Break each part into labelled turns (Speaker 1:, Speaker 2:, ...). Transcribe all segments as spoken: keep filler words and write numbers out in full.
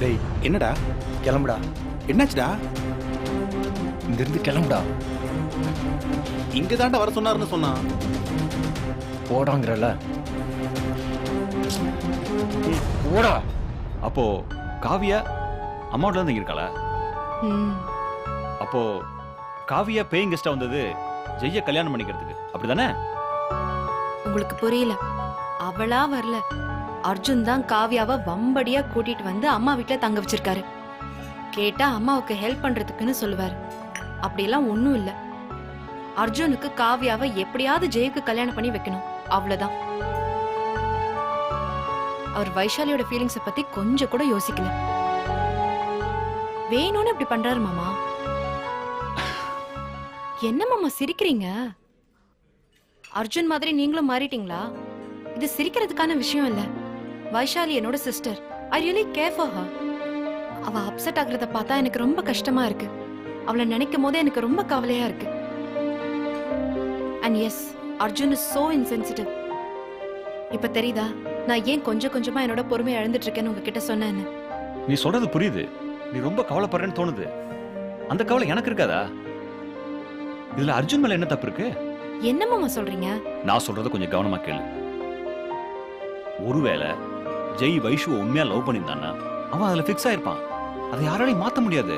Speaker 1: டேய்
Speaker 2: என்னடா
Speaker 1: கிளம்புடா.
Speaker 2: என்னாச்சுடா?
Speaker 1: இங்கிருந்து கிளம்புடா.
Speaker 2: இங்க தாண்டா வர சொன்னாருன்னு சொன்னான்.
Speaker 1: போடாங்கிறல. போடா.
Speaker 3: அப்போ காவியா அம்மாவோட தான் இருக்காள? அப்போ காவியா பேயிங் கெஸ்டா வந்தது ஜெய்ய கல்யாணம் பண்ணிக்கிறதுக்கு, அப்படிதானே?
Speaker 4: உங்களுக்கு புரியல. அவளா வரல. அர்ஜுன் தான் காவியாவை வம்படியா கூட்டிட்டு வந்து அம்மா வீட்டுல தங்க வச்சிருக்காரு. கேட்டா அம்மாவுக்கு ஹெல்ப் பண்றதுக்குன்னு சொல்லுவாரு. அப்படியெல்லாம் ஒண்ணும் இல்ல. அர்ஜுனுக்கு காவியாவை எப்படியாவது ஜெய்க்கு கல்யாணம் பண்ணி வைக்கணும், அவ்வளவுதான். அவர் வைஷாலியோட ஃபீலிங்ஸ பத்தி கொஞ்சம் கூட யோசிக்கல. வேணும்னு இப்படி பண்றாரு மாமா. என்ன மாமா சிரிக்கிறீங்க? அர்ஜுன் மாதிரி நீங்களும் மாறிட்டீங்களா? இது சிரிக்கிறதுக்கான விஷயம் இல்ல. வைஷாலி என்னோட sister. I really care for her. அவ அப்செட் ஆகுறத பார்த்தா எனக்கு ரொம்ப கஷ்டமா இருக்கு. அவளை நினைக்கும் போதே எனக்கு ரொம்ப கவலையா இருக்கு. And yes, Arjun is so insensitive. இப்ப தெரியுதா நான் ஏன் கொஞ்சம் கொஞ்சமா என்னோட பொறுமையை இழந்துட்டு இருக்கேன்னு உங்ககிட்ட சொன்னேன்னு?
Speaker 3: நீ சொல்றது புரியுது. நீ ரொம்ப கவலைப்படுறேன்னு தோணுது. அந்த கவலை எனக்கு இருக்காதா? இதுல அர்ஜுன் மேல என்ன தப்பு இருக்கு?
Speaker 4: என்ன மாமா சொல்றீங்க?
Speaker 3: நான் சொல்றத கொஞ்சம் கவனமா கேளு. ஒருவேளை ஜெய் வைஷுவை உண்மையா லவ் பண்ணியிருந்தானா அவன் அதுல பிக்ஸ் ஆயிருப்பான். அதை யாராலையும் மாத்த முடியாது.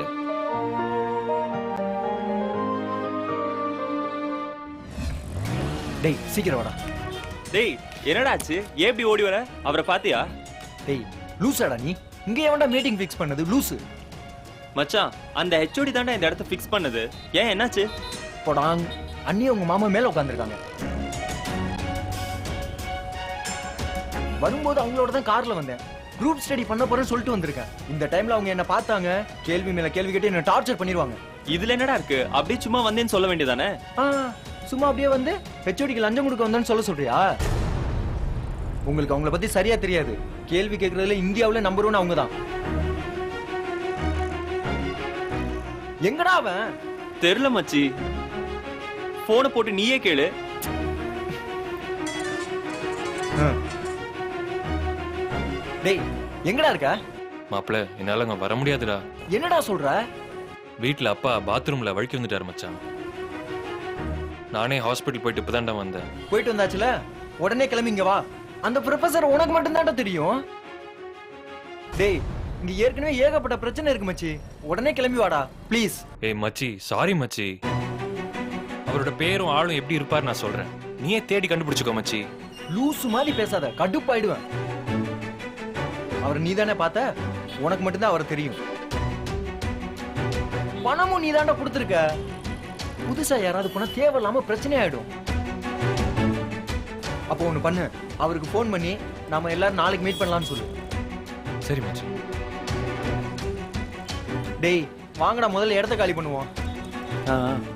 Speaker 1: டேய் சீக்கிரம் வாடா.
Speaker 5: டேய் என்னடா ஆச்சு? ஏன் இப்படி ஓடி வர? அவரை பாத்தியா?
Speaker 1: டேய் லூசாடா நீ. இங்க எவன்டா மீட்டிங் ஃபிக்ஸ் பண்ணது? லூசு.
Speaker 5: மச்சான், அந்த ஹெச்ஓடி தாண்டா இந்த இடத்த ஃபிக்ஸ் பண்ணது. ஏன் என்னாச்சு?
Speaker 1: போடாங். அண்ணி உங்க மாமா மேல உட்கார்ந்திருக்காங்க. வரும்போது அவங்களோட தான் கார்ல வந்தேன். குரூப் ஸ்டடி பண்ண போறேன்னு சொல்லிட்டு வந்திருக்கேன். இந்த டைம்ல அவங்க என்ன பார்த்தாங்க, கேள்வி மேல கேள்வி கேட்டு என்ன டார்ச்சர் பண்ணிடுவாங்க.
Speaker 5: இதுல என்னடா இருக்கு? அப்படியே சும்மா வந்தேன்னு சொல்ல வேண்டியதானே?
Speaker 1: சும்மா அப்படியே வந்து ஹெச்ஓடிக்கு லஞ்சம் கொடுக்க வந்தேன்னு சொல்ல சொல்றியா? உங்களுக்கு அவங்கள பத்தி சரியா தெரியாது. கேள்வி கேட்கறதுல இந்தியாவுல நம்பர் ஒன் அவங்க தான். எங்கடா அவன்?
Speaker 5: தெரியல மச்சி. போனை போட்டு நீயே கேளு.
Speaker 1: டேய் எங்கடா இருக்க?
Speaker 6: மாப்பிள்ள, என்னால அங்க வர முடியாதுடா.
Speaker 1: என்னடா சொல்ற?
Speaker 6: வீட்டுல அப்பா பாத்ரூம்ல வழுக்கி வந்துட்டாரு மச்சான். நானே ஹாஸ்பிட்டல் போயிட்டு இப்பதான்டா வந்தேன்.
Speaker 1: போயிட்டு வந்தாச்சுல, உடனே கிளம்பி இங்க வா. அந்த ப்ரொஃபசர் உனக்கு மட்டும் தான்டா தெரியும். டேய் இங்க ஏற்கனவே ஏகப்பட்ட பிரச்சனை இருக்கு மச்சி. உடனே கிளம்பி வாடா ப்ளீஸ்.
Speaker 6: ஏய் மச்சி, சாரி மச்சி. அவரோட பேரும் ஆளும் எப்படி இருப்பாரு நான் சொல்றேன். நீயே தேடி கண்டுபிடிச்சுக்கோ மச்சி.
Speaker 1: லூசு மாதிரி பேசாத, கடுப்பாயிடுவேன். அவர் நீ தானே பார்த்த, உனக்கு மட்டும்தான் அவரை தெரியும். பணமும் நீ தாண்டா கொடுத்துருக்க. புதுசா யாராவது போனா தேவையில்லாம பிரச்சனை ஆயிடும். அப்போ ஒண்ணு பண்ணு, அவருக்கு போன் பண்ணி நாம எல்லாரும் நாளைக்கு மீட் பண்ணலாம்னு சொல்லு.
Speaker 6: சரி மச்சி.
Speaker 1: டேய் வாங்கடா, முதல்ல இடத்த காலி பண்ணுவோம்.